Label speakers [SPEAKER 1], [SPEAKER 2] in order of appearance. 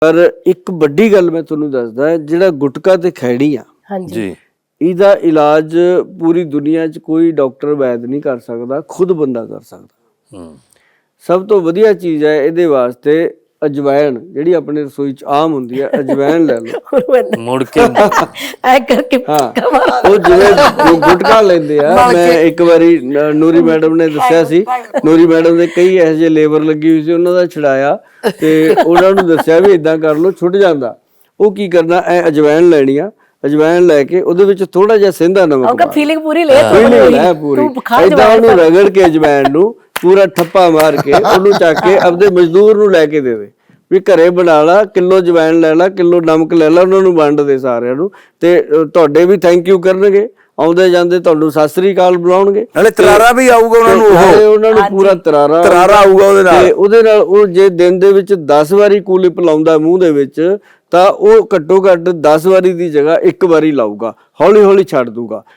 [SPEAKER 1] ਪਰ ਇੱਕ ਵੱਡੀ ਗੱਲ ਮੈਂ ਤੁਹਾਨੂੰ ਦੱਸਦਾ, ਜਿਹੜਾ ਗੁਟਕਾ ਤੇ ਖੈੜੀ ਆ
[SPEAKER 2] ਜੀ,
[SPEAKER 1] ਇਹਦਾ ਇਲਾਜ ਪੂਰੀ ਦੁਨੀਆ 'ਚ ਕੋਈ ਡਾਕਟਰ ਵੈਦ ਨਹੀਂ ਕਰ ਸਕਦਾ, ਖੁਦ ਬੰਦਾ ਕਰ ਸਕਦਾ। ਸਭ ਤੋਂ ਵਧੀਆ ਚੀਜ਼ ਹੈ ਇਹਦੇ ਵਾਸਤੇ ਅਜਵਾਇਣ, ਜਿਹੜੀ ਆਪਣੇ ਰਸੋਈ 'ਚ ਆਮ ਹੁੰਦੀ ਹੈ, ਅਜਵਾਇਣ ਲੈ ਲਓ
[SPEAKER 2] ਮੁੜ ਕੇ
[SPEAKER 3] ਐ ਕਰਕੇ
[SPEAKER 1] ਉਹ ਜਿਵੇਂ ਗੁਟਕਾ ਲੈਂਦੇ ਆ। ਮੈਂ ਇੱਕ ਵਾਰੀ ਨੂਰੀ ਮੈਡਮ ਨੇ ਦੱਸਿਆ ਸੀ, ਨੂਰੀ ਮੈਡਮ ਦੇ ਕਈ ਇਹੋ ਜਿਹੇ ਲੇਬਰ ਲੱਗੀ ਹੋਈ ਸੀ, ਉਹਨਾਂ ਦਾ ਛਡਾਇਆ ਤੇ ਉਹਨਾਂ ਨੂੰ ਦੱਸਿਆ ਵੀ ਇਦਾਂ ਕਰ ਲਓ, ਛੁੱਟ ਜਾਂਦਾ। ਉਹ ਕੀ ਕਰਨਾ, ਐ ਅਜਵਾਇਣ ਲੈਣੀ ਆ, ਅਜਵਾਇਣ ਲੈ ਕੇ ਉਹਦੇ ਵਿੱਚ ਥੋੜਾ ਜਿਹਾ ਸੇਂਦਾ ਨਮਕ
[SPEAKER 3] ਫੀਲਿੰਗ ਪੂਰੀ ਲੈ
[SPEAKER 1] ਪੂਰੀ ਏਦਾਂ ਉਹਨੂੰ ਰਗੜ ਕੇ ਅਜਵਾਇਣ ਨੂੰ ਪੂਰਾ ਠੱਪਾ ਮਾਰ ਕੇ ਉਹਨੂੰ ਚੱਕ ਕੇ ਆਪਦੇ ਮਜ਼ਦੂਰ ਨੂੰ ਲੈ ਕੇ ਦੇ ਦੇ ਵੀ ਘਰੇ ਬਣਾ ਲਾ, ਕਿਲੋ ਅਜਵਾਇਣ ਲੈ ਲਾ, ਕਿਲੋ ਨਮਕ ਲੈ ਲਾ, ਉਹਨਾਂ ਨੂੰ ਵੰਡ ਦੇ ਸਾਰਿਆਂ ਨੂੰ, ਤੇ ਤੁਹਾਡੇ ਵੀ ਥੈਂਕ ਯੂ ਕਰਨਗੇ, ਆਉਂਦੇ ਜਾਂਦੇ ਤੁਹਾਨੂੰ ਸਤਿ ਸ੍ਰੀ ਅਕਾਲ ਬੁਲਾਉਣਗੇ,
[SPEAKER 4] ਨਾਲੇ ਤਰਾਰਾ ਵੀ ਆਊਗਾ ਉਹਨਾਂ ਨੂੰ,
[SPEAKER 1] ਉਹਨਾਂ ਨੂੰ ਪੂਰਾ ਤਰਾਰਾ
[SPEAKER 4] ਆਊਗਾ
[SPEAKER 1] ਉਹਦੇ ਨਾਲ। ਉਹ ਜੇ ਦਿਨ ਦੇ ਵਿੱਚ 10 ਵਾਰੀ ਕੂਲਿਪ ਲਾਉਂਦਾ ਮੂੰਹ ਦੇ ਵਿੱਚ, ਤਾਂ ਉਹ ਘੱਟੋ ਘੱਟ 10 ਵਾਰੀ ਦੀ ਜਗ੍ਹਾ 1 ਵਾਰੀ ਲਾਊਗਾ, ਹੌਲੀ ਹੌਲੀ ਛੱਡ ਦੂਗਾ।